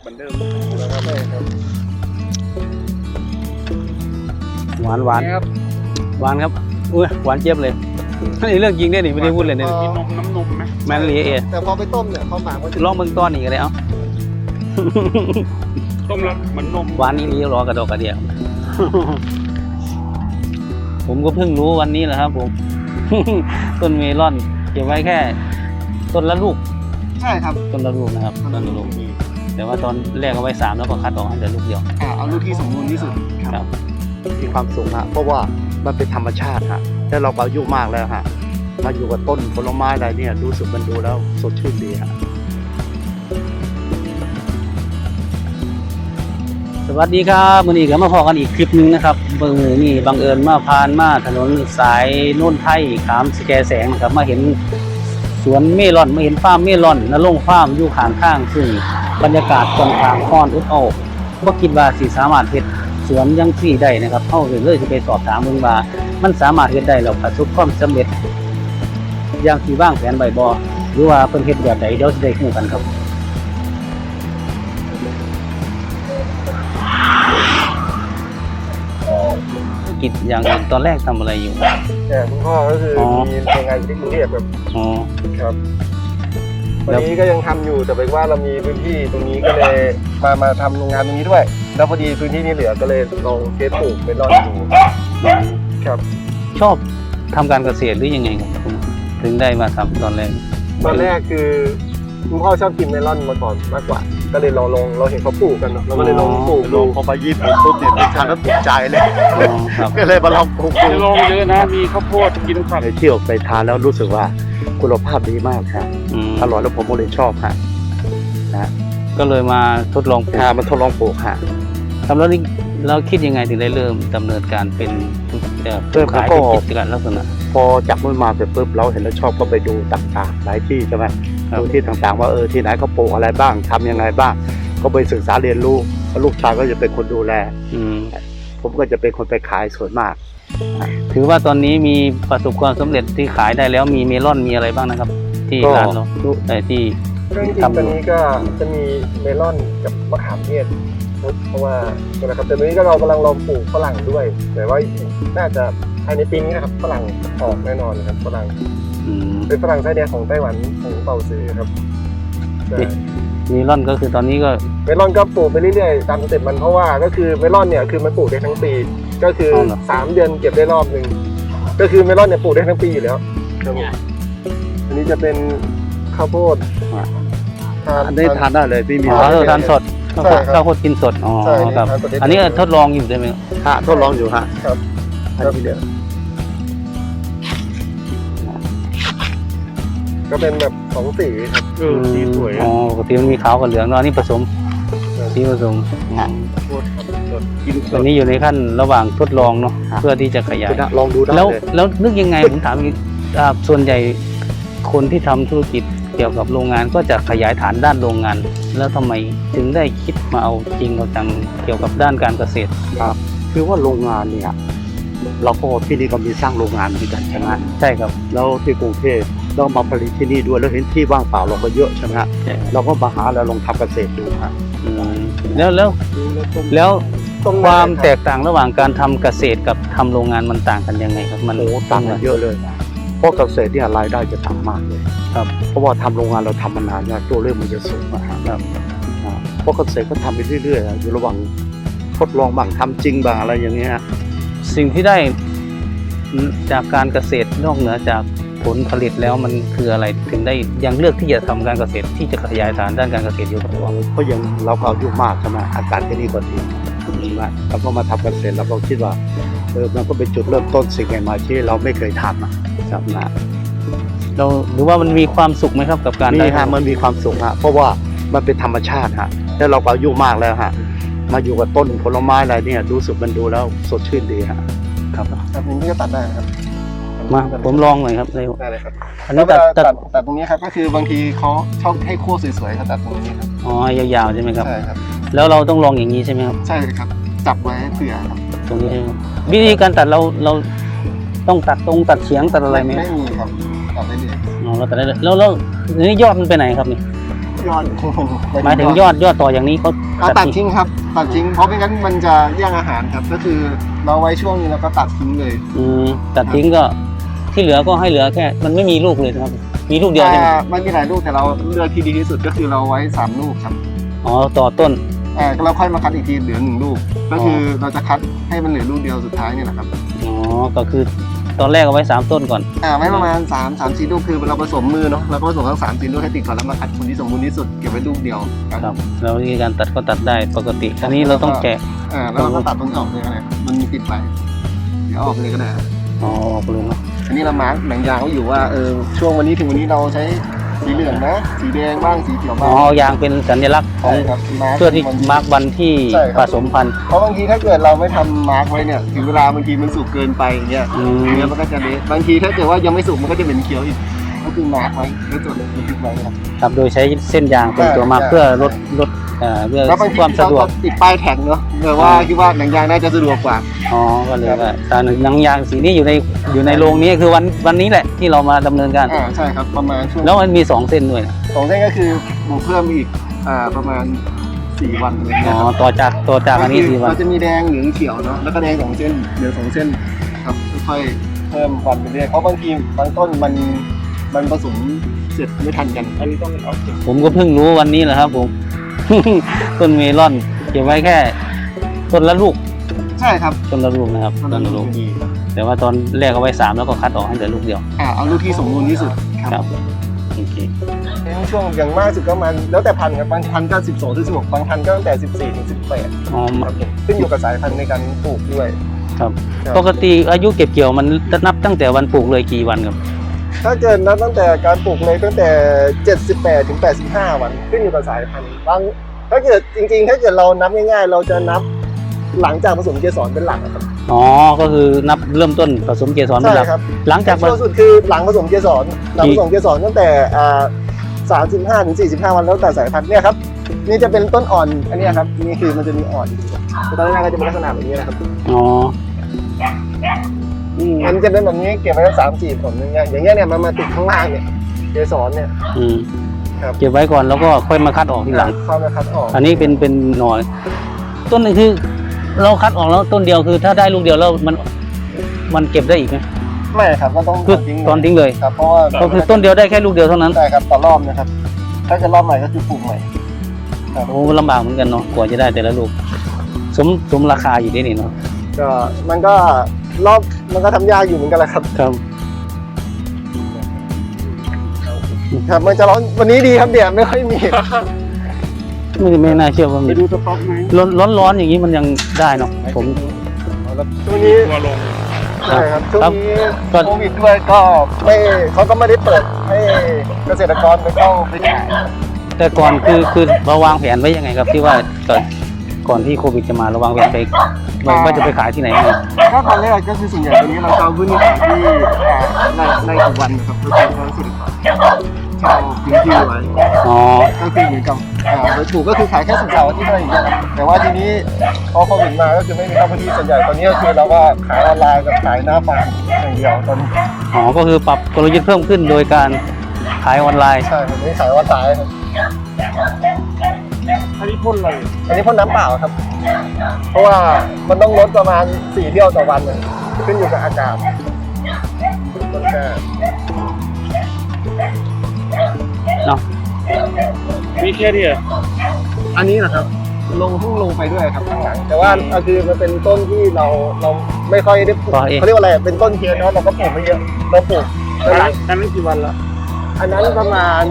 มือนเดิมแล้วครับใช่ครับหวานหวานครับหวานครับอุ้ยหวานเจี๊ยบเลยนี่เรื่องจริงเนี่ยนี่ไม่ได้พูดเลยเนี่ยมีนมน้ำนมไหมแมนลีเอแต่พอไปต้มเนี่ยเขาหมักมันจะลองเบิ่งต้อนนี่ก็ได้เอ้าต้มแล้วเหมือนนมหวานนี่รอกระดอกกระเดียว ผมก็เพิ่งรู้วันนี้แหละครับผม ต้นเมลอนเก็บไว้แค่ต้นละลูกใช่ครับต้นละลูกนะครับต้นละลูกแต่ว่าตอนแรกเอาไว้3แล้วก็คัดออกให้แต่ลูกเดียวเอาลูกที่สมบูรณ์ที่สุดครับมีความสุขฮะเพราะว่ามันเป็นธรรมชาติฮะแล้วเราก็อายุมากแล้วฮะมาอยู่กับต้นผลไม้อะไรเนี่ยรู้สึกมันดูแล้วสดชื่นดีฮะสวัสดีครับมื้อนี้ก็มาพอกันอีกคลิปหนึงนะครับมื้อนี้บังเอิญมาผ่านมาถนนสายโน่นไทยขามสแกแสงนะครับมาเห็นสวนเมลอนมาเห็นฟาร์มเมลอนนรงค์ฟาร์มอยู่ข้างๆซึ่งบรรยากาศค่อนข้างร้อนอบอ้าวบ่คิดว่าสิสามารถเฮ็ดสวนจังซี่ได้นะครับเฮาเลยสิไปสอบถามเบิ่งว่ามันสามารถเฮ็ดได้แล้วประสบความสำเร็จอย่างที่วางแผนไว้บ่หรือว่าเพิ่นเฮ็ดแบบใดเดี๋ยวสิได้รู้กันครับกิจอย่างอื่นตอนแรกทำอะไรอยู่แต่คุณพ่อก็คือมีโรงงานอยู่ที่กรุงเทพครับอ๋อครับวันนี้ก็ยังทำอยู่แต่เป็นว่าเรามีพื้นที่ตรงนี้ก็เลยมาทำโรงงานตรงนี้ด้วย แล้วพอดีพื้นที่นี้เหลือก็เลยลองเทสปลูกเป็นรอดดูครับชอบทำการเกษตรหรือยังไงครับคุณถึงได้มาทำตอนแรกตอนแรกคือคุณพ่อชอบกินเมลอนมาก่อนมากกว่า ก็เลยเราเห็นเขาปลูกกันเนาะเราก็เลยลองปลูกลดูงพอไปญี่ปุ่นปุ๊บเนี่ยไปทานแล้วติดใจเลยอ๋อครับก็เลยมาลองปลูกดูจะลงเยอะนะมีข้าวโพดกินผักไปเที่ยวไปทานแล้วรู้สึกว่าคุณภาพดีมากครับอืมอร่อยแล้วผมก็เลยชอบฮะก็เลยมาทดลองปลูกมันทดลองปลูกฮะครับแล้วนี่เราคิดยังไงถึงได้เริ่มดำเนินการเป็นขายเป็นกิจการลักษณะพอจับมือมาเสร็จปุ๊บเราเห็นแล้วชอบก็ไปดูต่างๆหลายที่ใช่ไหมครับดูที่ต่างๆว่าที่ไหนเขาปลูกอะไรบ้างทำยังไงบ้าง ก็ไปศึกษาเรียนรู้แล้วลูกชายก็จะเป็นคนดูแลอืมผมก็จะเป็นคนไปขายส่วนมากถือว่าตอนนี้มีประสบความสำเร็จที่ขายได้แล้วมีเมลอนมีอะไรบ้างนะครับ ที่ก็ร้านเราที่เครื่องจริงตอนนี้ก็จะมีเมลอนกับมะขามเทศเพราะว่านะครับแต่ตอนนี้ก็เรากำลังลองปลูกฝรั่งด้วยแต่ว่าน่าจะภายในปีนี้นะครับฝรั่งออกแน่นอนนะครับฝรั่งอืมเป็นฝรั่งไส้แดงของไต้หวันของเป่าซื้อครับใช่เมลอนก็คือตอนนี้ก็เมลอนก็ปลูกไปเรื่อยๆตามสเต็ปมันเพราะว่าก็คือเมลอนเนี่ยคือมันปลูกได้ทั้งปี ก็คือ3 เดือนเก็บได้รอบนึงก็คือเมลอนเนี่ยปลูกได้ทั้งปีอยู่แล้วครับผมอันนี้จะเป็นข้าวโพดอันนี้ทานได้เลยไม่มีอ๋อทานสดใช่ครับข้าวโพดกินสดอ๋อใช่ครับทานสดได้อันนี้ทดลองอยู่ใช่ไหมครับฮะทดลองอยู่ฮะครับอันนี้เดียวก็เป็นแบบ2 สีครับสีสวยอ๋อปกติมันมีขาวกับเหลืองเนาะอันนี้ผสมสีผสมข้าวโพดครับสดกินสตอนดนี้อยู่ในขั้นระหว่างทดลองเนาะครับเพื่อที่จะขยายลองดูได้แล้วเลยแล้วนึกยังไง ผมถามอีกส่วนใหญ่คนที่ทำธุรกิจเกี่ยวกับโรงงานก็จะขยายฐานด้านโรงงาน แล้วทำไมถึงได้คิดมาเอาจริงเอาจังเกี่ยวกับด้านการเกษตรคือว่าโรงงานเนี่ยเราก็ที่นี่ก็มีสร้างโรงงานเหมือนกันใช่ไหมใช่ครับแล้วที่กรุงเทพเรามาผลิตที่นี่ด้วยแล้วเห็นที่ว่างเปล่าเราก็เยอะใช่ไหมฮะใช่เราก็มาหาแล้วลองทำเกษตรดูฮะอืมแล้วความแตกต่างระหว่างการทำเกษตรกับทำโรงงานมันต่างกันยังไงครับ มันโอ้ต่างกันเยอะเลยเพราะเกษตรเนี่ยรายได้จะต่ำมากเลยครับเพราะว่าทำโรงงานเราทำมานานเนี่ยตัวเลขมันจะสูงนะฮะครับเพราะเกษตรก็ทำไปเรื่อยๆอยู่ระหว่างทดลองบ้างทำจริงบ้างอะไรอย่างเงี้ยสิ่งที่ได้จากการเกษตรนอกเหนือจากผลผลิตแล้วมันคืออะไรถึงได้ยังเลือกที่จะทำการเกษตรที่จะขยายฐานด้านการเกษตรอยู่กับตัวเพราะยังเราก็อายุมากใช่ไหมอากาศที่นี่ก็ดีมากเราก็มาทำเกษตรเราก็คิดว่ามันก็เป็นจุดเริ่มต้นสิ่งใหม่ๆที่เราไม่เคยทำนะครับนะเราหรือว่ามันมีความสุขไหมครับกับการนี่ได้ฮะมันมีความสุขฮะเพราะว่ามันเป็นธรรมชาติฮะแล้วเราก็อายุมากแล้วฮะมาอยู่กับต้นผลไม้อะไรเนี่ยรู้สึกมันดูแล้วสดชื่นดีฮะครับครับนี้ก็ตัดได้นะครับมาผมลองหน่อยครับในได้เลยครับอันนี้เวลาตัดตัดตรงนี้ครับก็คือบางทีเขาชอบให้คั่วสวยๆเขาตัดตรงนี้ครับอ๋อยาวๆใช่ไหมครับใช่ครับแล้วเราต้องลองอย่างนี้ใช่ไหมครับใช่ครับจับไว้เผื่อครับตรงนี้ใช่ไหมครับวิธีการตัดเราต้องตัดตรงตัดเฉียงตัดอะไรไหมไม่มีครับตัดได้เลยอ๋อเราตัดได้เลยแล้วนี่ยอดมันไปไหนครับนี่ยยอดหมายถึงยอดต่ออย่างนี้เขาตัดทิ้งครับตัดทิ้งเพราะไม่งั้นมันจะแย่งอาหารครับก็คือเราไว้ช่วงนี้แล้วก็ตัดทิ้งเลยตัดทิ้งก็ที่เหลือก็ให้เหลือแค่มันไม่มีลูกเลยนะครับมีลูกเดียวใช่ไหมมันมีหลายลูกแต่เราเลือกที่ดีที่สุดก็คือเราไว้3ลูกครับอ๋อต่อต้นเราค่อยมาคัดอีกทีเหลือ1ลูกก็คือเราจะคัดให้มันเหลือลูกเดียวสุดท้ายนี่แหละครับอ๋อก็คือตอนแรกเอาไว้3ต้นก่อนไว้ประมาณ3-4ลูกคือเราผสมมือเนาะเราก็ผสมทั้ง3-4ลูกให้ติดก่อนแล้วมาคัดคนที่สมบูรณ์ที่สุดเก็บไว้ลูกเดียวครับแล้ววิธีการตัดก็ตัดได้ปกติอันนี้เราต้องแกะแล้วเราก็ตัดตรงนี้ออกเลยก็ได้มันมีติดไปเดี๋ยวออกเลยก็ได้อ๋อออกไปเลยเนาะอันนี้เรามาร์กแบ่งยางไว้อยู่ว่าช่วงวันนี้ถึงวันนี้เราใช้สีเหลืองนะสีแดงบ้างสีเขียวอ๋บ้าอง ยางเป็นสัญลักษณ์ของใช่ครับมาร์กเพื่อที่มาร์กวันที่ใช่คผรับสมพันธุ์เพราะบางทีถ้าเกิดเราไม่ทำมาร์กไว้เนี่ยถึงเวลาบางทีมันสุกเกินไปอย่างเงี้ยอืมเนื้อมันก็จะเละบางทีถ้าเกิดว่ายังไม่สุกมันก็จะเป็นเขียวอีกก็คือมาร์กไว้แล้วจดบันทึกไว้ครับครับโดยใช้เส้นยางเป็นตัวมาร์กใช่เพื่อลดเพื่อแล้วบางทีความสะดวกเราติดป้ายแท็กเนาะเผื่อว่าคิดว่าหนังยางน่าจะสะดวกกว่าอ๋อก็เลยว่าแต่หนังยางสีนี้อยู่ในโรงนี้คือวันนี้แหละที่เรามาดำเนินการใช่ครับประมาณช่วงแล้วมันมี2เส้นด้วยนะ 2เส้นก็คือบวกเพิ่มอีกประมาณ4วันอะไรอ๋เงี้อยครับต่อจากอันนี้4 วันเราจะมีแดงเหลืองเขียวเนาะแล้วก็แดง2เส้นเหลือง2เส้นครับค่อยๆเพิ่มวันไปเรื่อยเพราะบางทีบางต้นมันผสมเสร็จไม่ทันกันอันนี้ต้องเอาเก็บผมก็เพิ่งรู้วันนี้แหละครับผม ต้นเมลอนเก็บไว้แค่ต้นละลูกใช่ครับต้นละลูกนะครับต้นละลูกดีแต่ว่าตอนแรกเอาไว้3แล้วก็คัดออกให้เหลือลูกเดียวเอาลูกที่สมบูรณ์ที่สุดคครัรับบโอเคช่วงอย่างมากสุดก็มันแล้วแต่พันธุ์ครับบางพันธุ์ก็12ถึง16บางพันธุ์ก็ตั้งแต่14ถึง18 อ๋อครับผมขึ้นอยู่กับสายพันธุ์ในการปลูกด้วยครับครับปกติอายุเก็บเกี่ยวมันจะนับตั้งแต่วันปลูกเลยกี่วันครับถ้าเกิดนับตั้งแต่การปลูกเลยตั้งแต่78ถึง85วันขึ้นอยู่กับสายพันธุ์บางถ้าเกิดจริงๆ ถ้าเกิดเรานับง่ายๆ เราจะนับหลังจากผสมเกสรเป็นหลักครับอ๋อก็คือนับเริ่มต้นผสมเกสรเป็นหลักใช่ครับหลังจากช่วงสุดคือหลังผสมเกสรหลังผสมเกสรตั้งแต่35ถึง45วันแล้วแต่สายพันธุ์เนี่ยครับนี่จะเป็นต้นอ่อนอันเนี้ยครับนี่คือมันจะมีอ่อนอยู่ตอนแรกก็จะเป็นลักษณะแบบนี้นะครับอ๋อมันจะเป็นแบบนี้เก็บไว้สัก3-4 ผลอย่างเงี้ยเนี่ยมันมาติดข้างล่างเนี่ยเกสรเนี่ยอืมครับเก็บไว้ก่อนแล้วก็ค่อยมาคัดออกทีหลังเข้ามาคัดออกอันนี้เป็นหน่อย ต้นนึงคือ เราคัดออกแล้วต้นเดียวคือถ้าได้ลูกเดียวแล้วมันเก็บได้อีกไหมไม่ครับก็ต้องคือตอนทิ้งเลยครับเพราะว่าก็คือต้นเดียวได้แค่ลูกเดียวเท่านั้นใช่ครับต่อรอบนะครับ ถ้าจะรอบใหม่ก็คือปลูกใหม่ครับโอ้ลำบากเหมือนกันเนาะกว่าจะได้แต่ละลูกสมราคาอยู่ที่นี่เนาะก็มันก็รอบมันก็ทำยากอยู่เหมือนกันแหละครับครับครับมันจะร้อนวันนี้ดีครับเดี๋ยวไม่ค่อยมีไม่น่าเชื่อว่าไปมีดูสต็อกไหมร้อนอย่างนี้มันยังได้เนาะผมช่วงนี้ตัวลงใช่ครับช่วงนี้ก็โควิดด้วยก็ไม่เขาก็ไม่ได้เปิดให้เกษตรกรไปเข้าไปขายแต่ก่อนคือเราวางแผนไว้ยังไงครับที่ว่าก่อนที่โควิดจะมาเราวางแผนไปว่าจะไปขายที่ไหนบ้างก็ตอนแรกก็คือส่วนใหญ่ตอนนี้เราจะเอาพื้นที่ขายที่ในสุวรรณนะครับก็คือเกษตรกรเช่าพื้นที่ไว้อ๋อก็คือเหมือนกับโดยถูกก็คือขายแค่สุดเสาร์อาที่อะไรอย่างเงี้ยครับแต่ว่าทีนี้พอโควิดมาก็คือไม่มีเข้าพื้นที่ส่วนใหญ่ตอนนี้ก็คือเราก็ขายออนไลน์กับขายหน้าฟาร์มอย่างเดียวตอนนี้อ๋อก็คือปรับกลยุทธ์เพิ่มขึ้นโดยการขายออนไลน์ใช่ผมไม่ขายออนไลน์ครับอันนี้พ่นอะไรอันนี้พ่นน้ำเปล่าครับ เพราะว่ามันต้องลดประมาณ4 เที่ยวต่อวันเลยขึ้นอยู่กับอากาศต้นแค่เนาะมีแค่นี้เหรออันนี้นะครับพุ่งลงไปด้วยครับข้างหลังแต่ว่าคือมันเป็นต้นที่เราไม่ค่อยได้ปลูกเขาเรียกว่าอะไรเป็นต้นเทียนเนาะเราก็ปลูกไม่เยอะเราปลูกอันนั้นกี่วันละอันนั้นประมาณ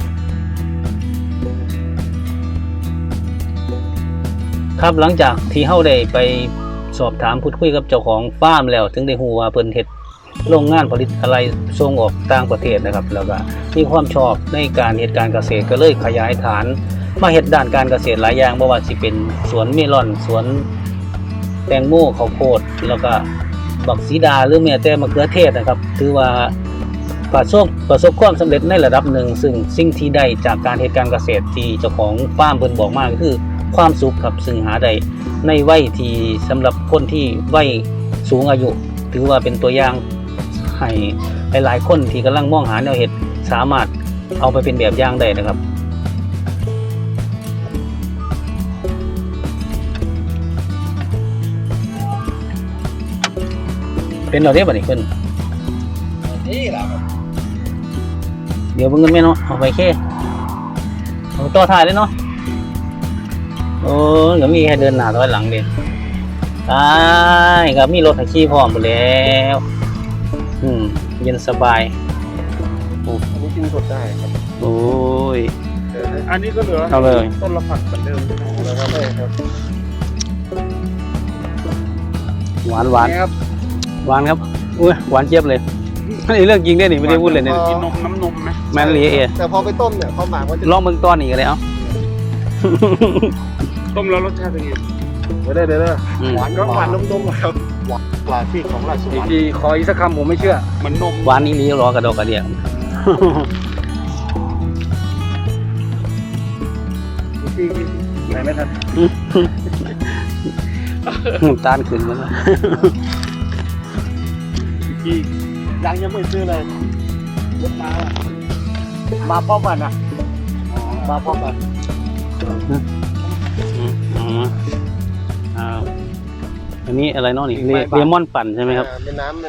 ครับหลังจากที่เฮาได้ไปสอบถามพูดคุยกับเจ้าของฟาร์มแล้วถึงได้ฮู้ว่าเพิ่นเฮ็ดโรงงานผลิตอะไรส่งออกต่างประเทศนะครับแล้วก็มีความชอบในการเฮ็ดการเกษตรก็เลยขยายฐานมาเฮ็ดด้านการเกษตรหลายอย่างบ่ว่าสิเป็นสวนเมลอนสวนแตงโมข้าวโพดแล้วก็บักสีดาหรือแม้แต่มะเขือเทศนะครับถือว่าประสบความสำเร็จในระดับหนึ่งซึ่งสิ่งที่ได้จากการเฮ็ดการเกษตรที่เจ้าของฟาร์มเพิ่นบอกมาก็คือความสุขครับซึ่งหาได้ในวัยที่สำหรับคนที่วัยสูงอายุถือว่าเป็นตัวอย่างให้หลายๆคนที่กำลังมองหาแนวเฮ็ดสามารถเอาไปเป็นแบบอย่างได้นะครับเป็นเราได้บ่นี่เพิ่นนี่แหละครับเดี๋ยวเบิ่งเงินแม่เนาะเอาไปแค่เอาต่อท้ายเลยเนาะโอ้ยก็มีแค่เดินหน้าถอยหลังเด้ตายก็มีรถให้ขี่พร้อมหมดแล้วเย็นสบายอันนี้กินสดได้ครับโอ้ยอันนี้ก็เหลือเอาเลยต้นละผักเหมือนเดิมใช่ไหมแล้วก็ได้ครับหวานหวานนี่ครับหวานครับอุ้ยหวานเจี๊ยบเลยนี่เรื่องจริงได้นี่ไม่ได้พูดเลยเนี่ยกินนมน้ำนมไหมแมนลีเอแต่พอไปต้มเนี่ยความหมายว่าจะลองเบิ่งตอนนี้กันเลยเอ้าต้มแล้วรสชาติเป็นไงเดี๋ยวเดี๋ยวอืมหวานก็หวานนมๆครับหวานกว่าที่ของราชสอีวกรรค์ทีขออีกสักคำผมไม่เชื่อเหมันนมหวานนี้ลีรอกระดอกกระเดียที่ไหนไม่ทันตานขึ้นมาแล้วที่ยังไม่ซื้อเลยรถมาพร้อมกันนะมาพร้อมกันอันนี้อะไรเนาะนี่เลมอนปั่นใช่ไหมครับเป็นน้ำ